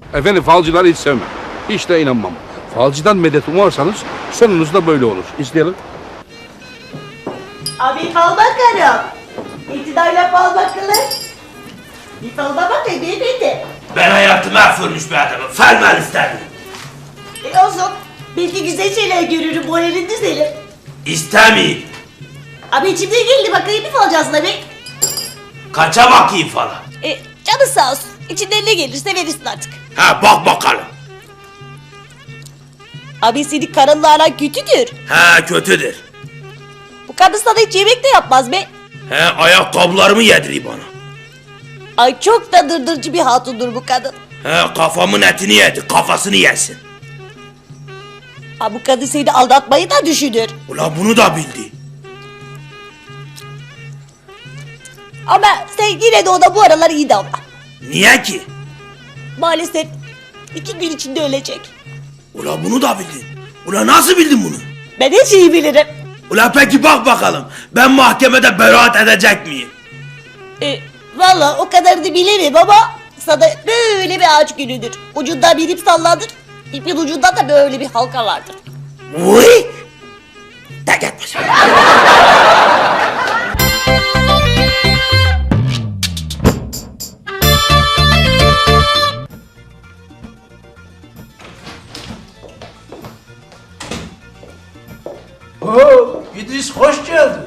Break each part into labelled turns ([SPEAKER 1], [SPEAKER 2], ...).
[SPEAKER 1] Efendim falcıları hiç sevmem. Hiç de inanmam. Falcıdan medet umarsanız sonunuz da böyle olur. İzleyelim.
[SPEAKER 2] Abi fal bakarım. İktidayla fal bakılır. Bir falda bakayım beyefendi.
[SPEAKER 3] Ben hayatımı mahvolmuş bir adamım. Falmal istedim.
[SPEAKER 2] Olsun. Belki güzel şeyler görürüm, moralin düzelir.
[SPEAKER 3] İstemiyorum.
[SPEAKER 2] Abi içimden geldi bakayım bir falcasına be.
[SPEAKER 3] Kaça bakayım falan.
[SPEAKER 2] Canı sağ olsun. İçinden ne gelirse verirsin artık.
[SPEAKER 3] Ha bak bakalım.
[SPEAKER 2] Abi senin karınla aran kötüdür.
[SPEAKER 3] Ha kötüdür.
[SPEAKER 2] Bu kadın sana hiç yemek de yapmaz be.
[SPEAKER 3] He ayakkabılarımı yediriyor bana.
[SPEAKER 2] Ay çok da dırdırcı bir hatundur bu kadın.
[SPEAKER 3] He kafamın etini yedi, kafasını yesin.
[SPEAKER 2] Ha bu kadın seni aldatmayı da düşünür.
[SPEAKER 3] Ulan bunu da bildi.
[SPEAKER 2] Ama sen yine de ona bu aralar iyi davran.
[SPEAKER 3] Niye ki?
[SPEAKER 2] Maalesef 2 gün içinde ölecek.
[SPEAKER 3] Ulan bunu da bildin. Ulan nasıl bildin bunu?
[SPEAKER 2] Ben her şeyi bilirim.
[SPEAKER 3] Ulan peki bak bakalım. Ben mahkemede beraat edecek miyim?
[SPEAKER 2] Valla o kadar da bilemem ama sana böyle bir ağaç gülüdür. Ucundan bir ip sallanır. İpin ucunda da böyle bir halka vardır.
[SPEAKER 3] Uy! De git başına.
[SPEAKER 4] Oo, İdris hoş geldin.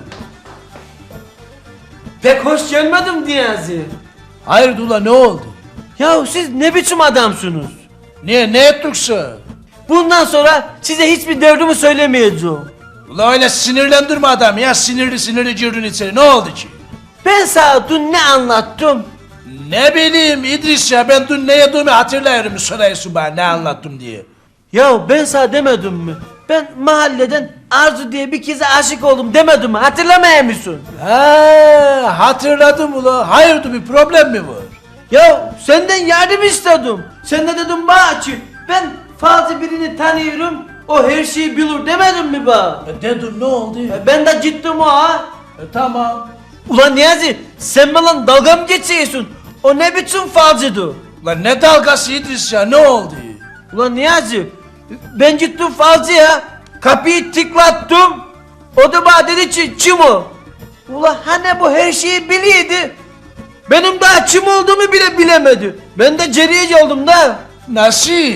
[SPEAKER 5] Pek hoş gelmedim Niyazi.
[SPEAKER 4] Hayır Dula ne oldu?
[SPEAKER 5] Ya siz ne biçim adamsınız?
[SPEAKER 4] Niye ne ettikse?
[SPEAKER 5] Bundan sonra size hiçbir derdimi söylemeyeceğim.
[SPEAKER 4] Ula öyle sinirlendirme adam ya sinirli girdin içeri ne oldu ki?
[SPEAKER 5] Ben sana dün ne anlattım?
[SPEAKER 4] Ne bileyim İdris ya ben dün ne yediğimi hatırlıyorum soruyorsun bana ne anlattım diye.
[SPEAKER 5] Ya ben sana demedim mi? Ben mahalleden Arzu diye bir kıza aşık oldum demedim mi? Hatırlamıyor musun?
[SPEAKER 4] Ha hatırladım ula hayırdır bir problem mi var?
[SPEAKER 5] Ya senden yardım istedim. Sen de dedim bana ki ben fazla birini tanıyorum. O her şeyi bilir demedim mi bana?
[SPEAKER 4] Dedim ne oldu?
[SPEAKER 5] Ben de gittim o ha.
[SPEAKER 4] Tamam.
[SPEAKER 5] Ulan Niyazi sen bana dalga mı geçiyorsun? O ne biçim falcıydı?
[SPEAKER 4] Lan ne dalgası İdris ya ne oldu?
[SPEAKER 5] Ulan Niyazi ben gittim falcıya kapıyı tıklattım. O da bana dedi ki kim o? Ulan hani bu her şeyi biliyordu. Benim daha kim olduğumu bile bilemedi. Ben de ceriyeci oldum da.
[SPEAKER 4] Nasıl?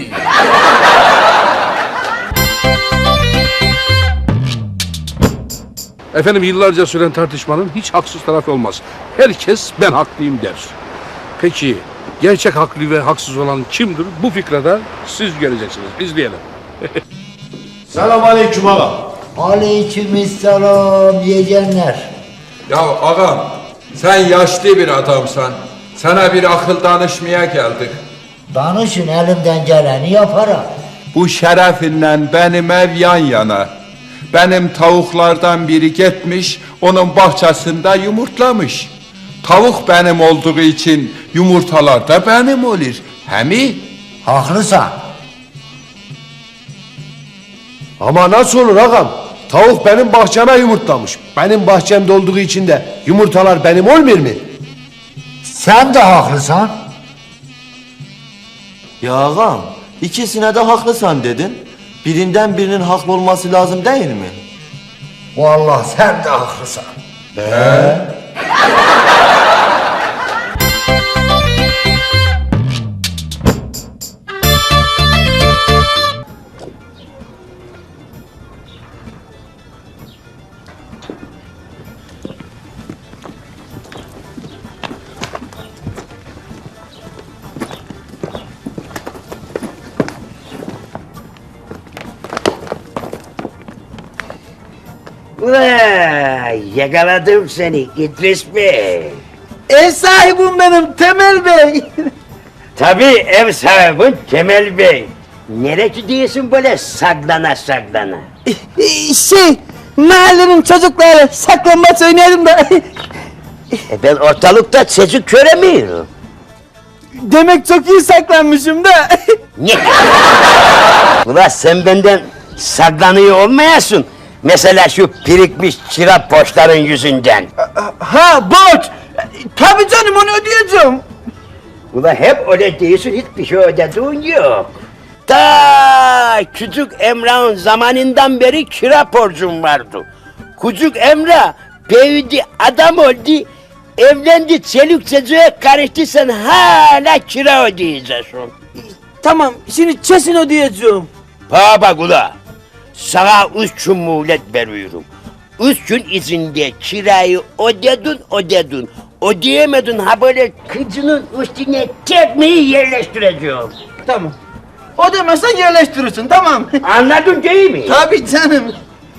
[SPEAKER 1] Efendim yıllarca süren tartışmanın hiç haksız tarafı olmaz. Herkes ben haklıyım der. Peki gerçek haklı ve haksız olan kimdir? Bu fikre de siz göreceksiniz. İzleyelim.
[SPEAKER 6] Selamünaleyküm ağam.
[SPEAKER 7] Aleykümselam yeğenler.
[SPEAKER 8] Ya ağam, sen yaşlı bir adamsan. Sana bir akıl danışmaya geldik.
[SPEAKER 7] Danışın elimden geleni yaparım.
[SPEAKER 8] Bu şerefinle benim ev yan yana. Benim tavuklardan biri gitmiş, onun bahçesinde yumurtlamış. Tavuk benim olduğu için yumurtalar da benim olur. Hemi?
[SPEAKER 7] Haklısın.
[SPEAKER 6] Ama nasıl olur ağam? Tavuk benim bahçeme yumurtlamış. Benim bahçemde olduğu için de yumurtalar benim olmuyor mu?
[SPEAKER 7] Sen de haklısın.
[SPEAKER 9] Ya ağam, ikisine de haklısın dedin. Birinden birinin haklı olması lazım değil mi?
[SPEAKER 7] Vallahi sen de haklısın.
[SPEAKER 10] Vay, yakaladım seni İdris Bey.
[SPEAKER 5] Ev sahibim benim Temel Bey.
[SPEAKER 10] Tabii ev sahibin Kemal Bey. Nereye gidiyorsun böyle saklana saklana?
[SPEAKER 5] Mahallenin çocukları saklambaç oynayalım da.
[SPEAKER 10] Ben ortalıkta çocuk göremiyorum.
[SPEAKER 5] Demek çok iyi saklanmışım da.
[SPEAKER 10] Ne? Ulan sen benden saklanıyor olmayasın. Mesela şu birikmiş çırap borçların yüzünden.
[SPEAKER 5] Ha borç. Tabii canım onu ödeyeceğim.
[SPEAKER 10] Ula hep öyle değilsin, hiçbir şey ödediğin yok. Ta küçük Emrah'ın zamanından beri kira borcum vardı. Küçük Emrah büyüdü, adam oldu, evlendi, çelük çocuğa karıştı, sen hala kira ödeyeceksin.
[SPEAKER 5] Tamam şimdi kesin ödeyeceğim.
[SPEAKER 10] Bak ula, sana 3 gün muhlet veriyorum. 3 gün içinde kirayı ödedin. Ödeyemedin, ha böyle kıcının üstüne tekmeyi yerleştireceğim.
[SPEAKER 5] Tamam. Ödemezsen yerleştirirsin tamam.
[SPEAKER 10] Anladın değil mi?
[SPEAKER 5] Tabii canım.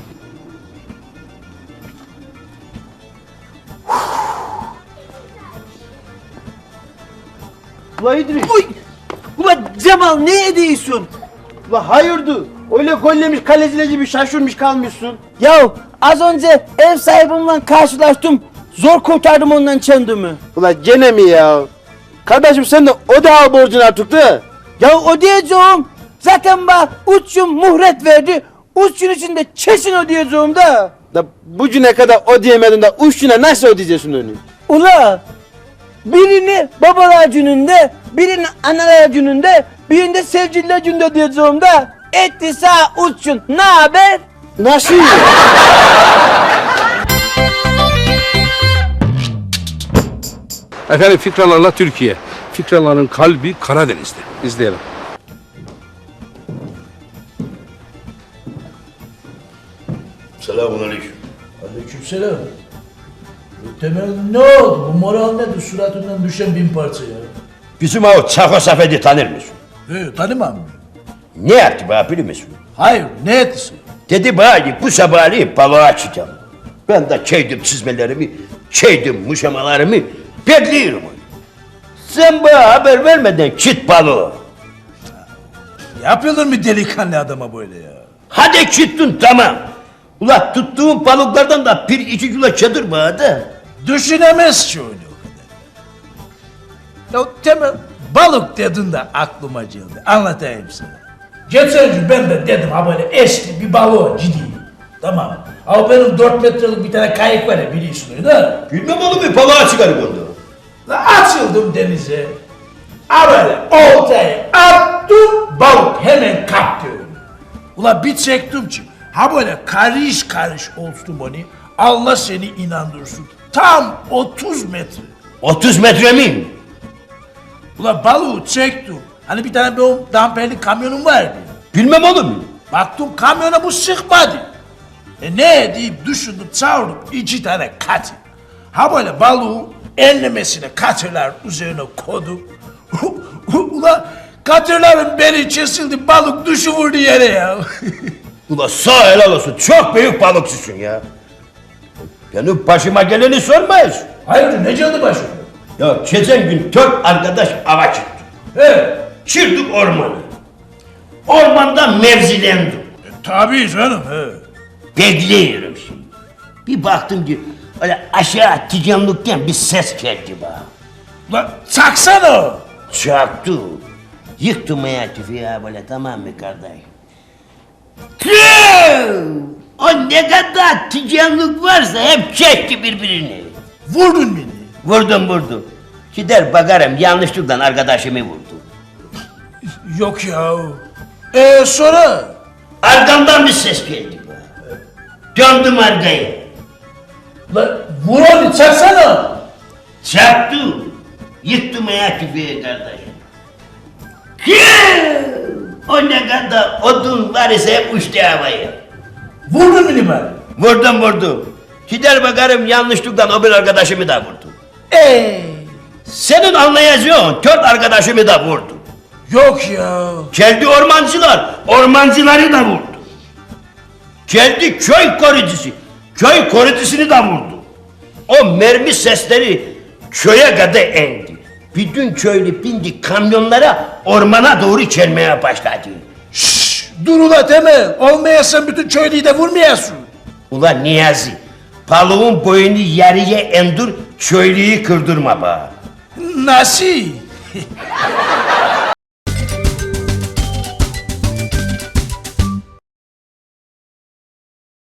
[SPEAKER 5] Ula İdris. Uy! Ula Cemal ne ediyorsun? Ula hayırdır? Öyle gollemiş kaleciler gibi şaşırmış kalmışsın. Ya az önce ev sahibimle karşılaştım. Zor kurtardım ondan kendimi. Ula gene mi ya? Kardeşim sen de öde al borcunu artık da. Ya ödeyeceğim. Zaten bana 3 gün muhret verdi. 3 gün içinde kesin ödeyeceğim da. Da bu güne kadar ödeyemedin de 3 güne nasıl ödeyeceksin onu? Ula birini babalar gününde, birini analar gününde, birinde sevgililer gününde ödeyeceğim da. Etti sağ 3 gün. Ne haber? Nasıl?
[SPEAKER 1] Efendim Fikralarla Türkiye. Fikraların kalbi Karadeniz'de. İzleyelim.
[SPEAKER 3] Selamünaleyküm.
[SPEAKER 4] Aleykümselam. Temel ne oldu? Bu moral nedir? Suratından düşen bin parça ya.
[SPEAKER 10] Bizim o Çako Safet'i tanır mısın?
[SPEAKER 4] Tanımam mı?
[SPEAKER 10] Ne yaptı bana biliyor musun?
[SPEAKER 4] Hayır, ne etti?
[SPEAKER 10] Dedi bana bu sabahleyin balığa çıkacağım. Ben de çeydim çizmelerimi, çeydim muşamalarımı, bekliyorum onu. Sen bana haber vermeden çıt balığı.
[SPEAKER 4] Yapılır mı delikanlı adama böyle ya?
[SPEAKER 10] Hadi çıktın tamam. Ula tuttuğum balıklardan da 1-2 kilo çadır bana da.
[SPEAKER 4] Düşünemez ki öyle o kadar. Ya Temel, balık dedin de aklıma geldi. Anlatayım sana. Geçen gün ben de dedim ha böyle eski bir balığa gideyim. Tamam. Ama benim 4 metrelik bir tane kayık var ya biliyorsun öyle değil mi?
[SPEAKER 10] Bilmem oğlum bir balığa çıkarım onu.
[SPEAKER 4] La açıldım denize. Ha böyle oltayı attım, balık hemen kaptı öyle. Ula bir çektim ki, ha böyle karış karış olsun onu, Allah seni inandırsın. Tam 30 metre.
[SPEAKER 10] 30 metre mi?
[SPEAKER 4] Ula balığı çektim. Hani bir tane benim damperli kamyonum vardı.
[SPEAKER 10] Bilmem oğlum.
[SPEAKER 4] Baktım kamyona bu sıkmadı. Ne deyip düşündüm çağırdım 2 tane katır. Ha böyle balığı enlemesine katırlar üzerine koydum. Ula katırların beni kesildi balık düşüvurdu yere ya.
[SPEAKER 10] Ula sağ helal olsun çok büyük balıkçısın ya. Benim başıma geleni sormayız.
[SPEAKER 4] Hayırdır ne geldi başıma?
[SPEAKER 10] Ya geçen gün 4 arkadaş ava çıktı.
[SPEAKER 4] He.
[SPEAKER 10] Çıktık ormana. Ormanda mevzilendim.
[SPEAKER 4] Tabii canım he.
[SPEAKER 10] Bekliyorum şimdi. Bir baktım ki öyle aşağı ticanlıktan bir ses geldi bana.
[SPEAKER 4] Ula çaksana.
[SPEAKER 10] Çaktı. Yıktım ya tüfeği böyle tamam mı kardeş? Tüh! O ne kadar ticanlık varsa hep çekti birbirini.
[SPEAKER 4] Vurdun beni.
[SPEAKER 10] Vurdum. Gider bakarım yanlışlıkla arkadaşımı vurdu.
[SPEAKER 4] Yok ya. Sonra?
[SPEAKER 10] Arkamdan bir ses geldi bana. Döndüm arkaya.
[SPEAKER 4] Ula vur onu çaksana.
[SPEAKER 10] Çaktı. Yıktım ya tüfeği kardeşim. O ne kadar odun var ise hep uçtu havaya.
[SPEAKER 4] Vurdun beni ben.
[SPEAKER 10] Vurdum. Gider bakarım yanlışlıkla o bir arkadaşımı da vurdu. Senin anlayacağın 4 arkadaşımı da vurdu.
[SPEAKER 4] Yok ya.
[SPEAKER 10] Geldi ormancıları da vurdu. Geldi köy korucusunu da vurdu. O mermi sesleri köye kadar indi. Bütün köylü bindi kamyonlara ormana doğru gelmeye başladı.
[SPEAKER 4] Şşş dur ula Temel. Olmayasın bütün köylüyü de vurmayasın.
[SPEAKER 10] Ulan Niyazi, balığın boyunu yarıya endir, köylüyü kırdırma bana.
[SPEAKER 4] Nasıl?